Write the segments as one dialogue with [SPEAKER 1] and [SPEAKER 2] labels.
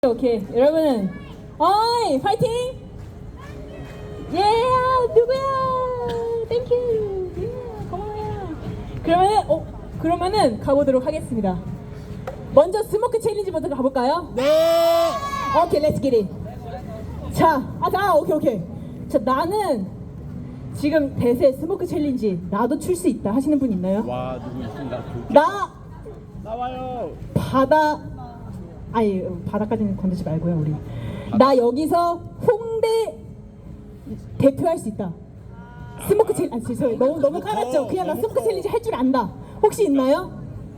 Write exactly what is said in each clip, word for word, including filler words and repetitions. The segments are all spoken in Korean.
[SPEAKER 1] 오케이 여러분은 어이 파이팅 예 누구야 땡큐 예 고마워요. 그러면은 어 그러면은 가보도록 하겠습니다. 먼저 스모크 챌린지부터 가볼까요?
[SPEAKER 2] 네.
[SPEAKER 1] 오케이 렛츠 기릿. 자아자 오케이 오케이 자 나는 지금 대세 스모크 챌린지 나도 출 수 있다 하시는 분 있나요?
[SPEAKER 2] 와 누구 있습니다.
[SPEAKER 1] 나
[SPEAKER 2] 나와요.
[SPEAKER 1] 바다 아니 바다까지는 건드지 말고요 우리. 나 여기서 홍대 대표할 수 있다. 스모크 챌린지 아 죄송해요 너무 너무 깔았죠. 그냥 나 스모크 챌린지 할 줄 안다. 혹시 있나요?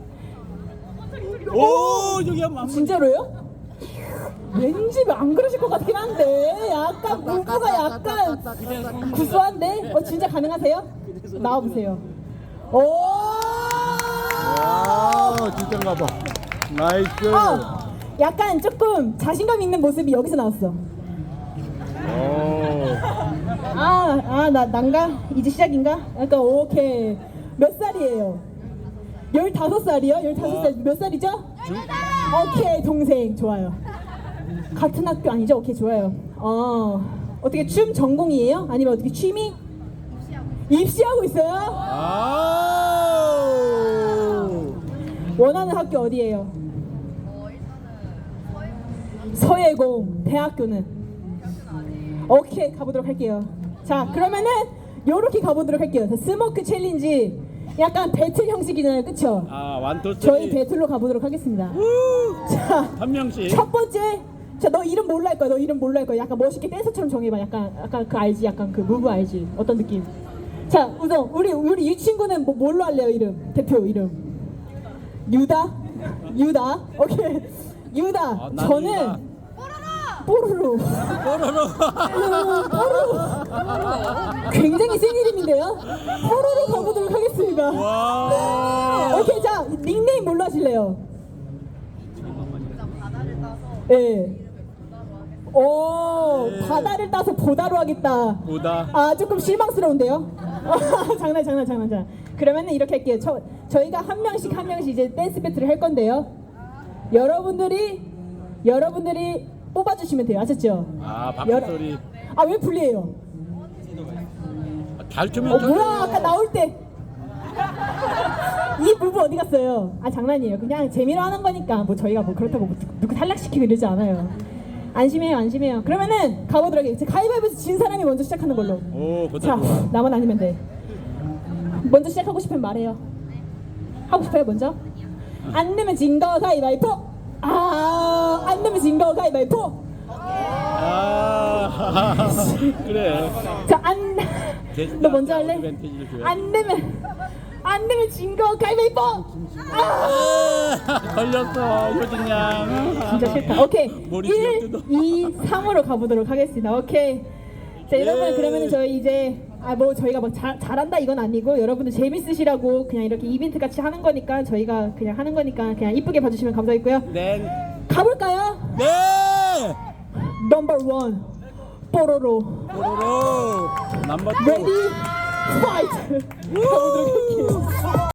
[SPEAKER 2] 오 저기 한번.
[SPEAKER 1] 진짜로요? 왠지 안 그러실 것 같긴 한데 약간 무브가 약간 구수한데 어 진짜 가능하세요? 나와보세요. 오
[SPEAKER 2] 아 진짜인가 봐. 나이스.
[SPEAKER 1] 어, 약간 조금 자신감 있는 모습이 여기서 나왔어.
[SPEAKER 2] 오.
[SPEAKER 1] 아, 아, 나, 난가? 이제 시작인가? 약간, 오케이. 몇 살이에요? 열다섯 살이요? 열다섯 살, 몇 살이죠? 오케이, 동생. 좋아요. 같은 학교 아니죠? 오케이, 좋아요. 어, 어떻게 춤 전공이에요? 아니면 어떻게 취미? 입시하고 있어요?
[SPEAKER 2] 아.
[SPEAKER 1] 원하는 학교 어디예요? 서예공. 대학교는? 오케이 가보도록 할게요. 자 그러면은 요렇게 가보도록 할게요. 자, 스모크 챌린지 약간 배틀 형식이잖아요, 그쵸?
[SPEAKER 2] 아 완투
[SPEAKER 1] 저희 배틀로 가보도록 하겠습니다. 자,
[SPEAKER 2] 한 명씩.
[SPEAKER 1] 첫 번째, 자 너 이름 뭘로 할 거야? 너 이름 뭘로 할 거야? 약간 멋있게 댄서처럼 정해봐. 약간 약간 그 알지? 약간 그 무브 알지? 어떤 느낌? 자 우선 우리 우리 이 친구는 뭐 뭘로 할래요? 이름 대표 이름 유다? 유다? 오케이 유다.
[SPEAKER 2] 아, 난
[SPEAKER 1] 저는
[SPEAKER 2] 유다.
[SPEAKER 1] 뽀로로.
[SPEAKER 2] 뽀로로.
[SPEAKER 1] 뽀로로. 굉장히 센 이름인데요? 뽀로로 가보도록 하겠습니다.
[SPEAKER 2] 와.
[SPEAKER 1] 오케이, 자, 닉네임 뭘로 하실래요? 예. 네. 오,
[SPEAKER 2] 네.
[SPEAKER 1] 바다를 따서 보다로 하겠다.
[SPEAKER 2] 보다.
[SPEAKER 1] 아, 조금 실망스러운데요? 장난, 장난, 장난, 장난. 그러면은 이렇게 할게요. 저, 저희가 한 명씩 한 명씩 이제 댄스 배틀을 할 건데요. 여러분들이, 여러분들이 뽑아주시면 돼요. 아셨죠?
[SPEAKER 2] 아 박수 소리.
[SPEAKER 1] 아, 왜 불리해요?
[SPEAKER 2] 가르치면
[SPEAKER 1] 어, 뭐야, 아까 나올 때. 이 부부 어디 갔어요? 아, 장난이에요. 그냥 재미로 하는 거니까. 뭐 저희가 뭐 그렇다고 뭐 누구 탈락시키고 이러지 않아요. 안심해요, 안심해요. 그러면은 가보도록 해요. 가위바위보에서 진 사람이 먼저 시작하는 걸로.
[SPEAKER 2] 오
[SPEAKER 1] 자,
[SPEAKER 2] 좋다 좋아.
[SPEAKER 1] 나만 아니면 돼. 먼저 시작하고 싶으면 말해요. 하고 싶어요, 먼저? 안 내면 진 거 가위바위보! 아, 안 내면 진 거 가위바위보!
[SPEAKER 2] 아 그래.
[SPEAKER 1] 자, 안, 너 먼저 할래?
[SPEAKER 2] 어드밴티지를 줘야지.
[SPEAKER 1] 안 되면, 안 되면 진 거 가위바위보! 아!
[SPEAKER 2] 아, 걸렸어 효진 양.
[SPEAKER 1] 진짜 싫다. 오케이.
[SPEAKER 2] 머리
[SPEAKER 1] 일,
[SPEAKER 2] 쥐어뜯어.
[SPEAKER 1] 이, 삼으로 가보도록 하겠습니다. 오케이. 자, 여러분,
[SPEAKER 2] 예.
[SPEAKER 1] 그러면은 저희 이제, 아, 뭐, 저희가 막 잘, 잘한다 이건 아니고, 여러분들 재밌으시라고 그냥 이렇게 이벤트 같이 하는 거니까, 저희가 그냥 하는 거니까, 그냥 이쁘게 봐주시면 감사하겠고요.
[SPEAKER 2] 네.
[SPEAKER 1] 가볼까요?
[SPEAKER 2] 네.
[SPEAKER 1] 넘버 원. 뽀로로.
[SPEAKER 2] 뽀로로. 넘버 투.
[SPEAKER 1] 레디, 파이트! 가보도록 할게요.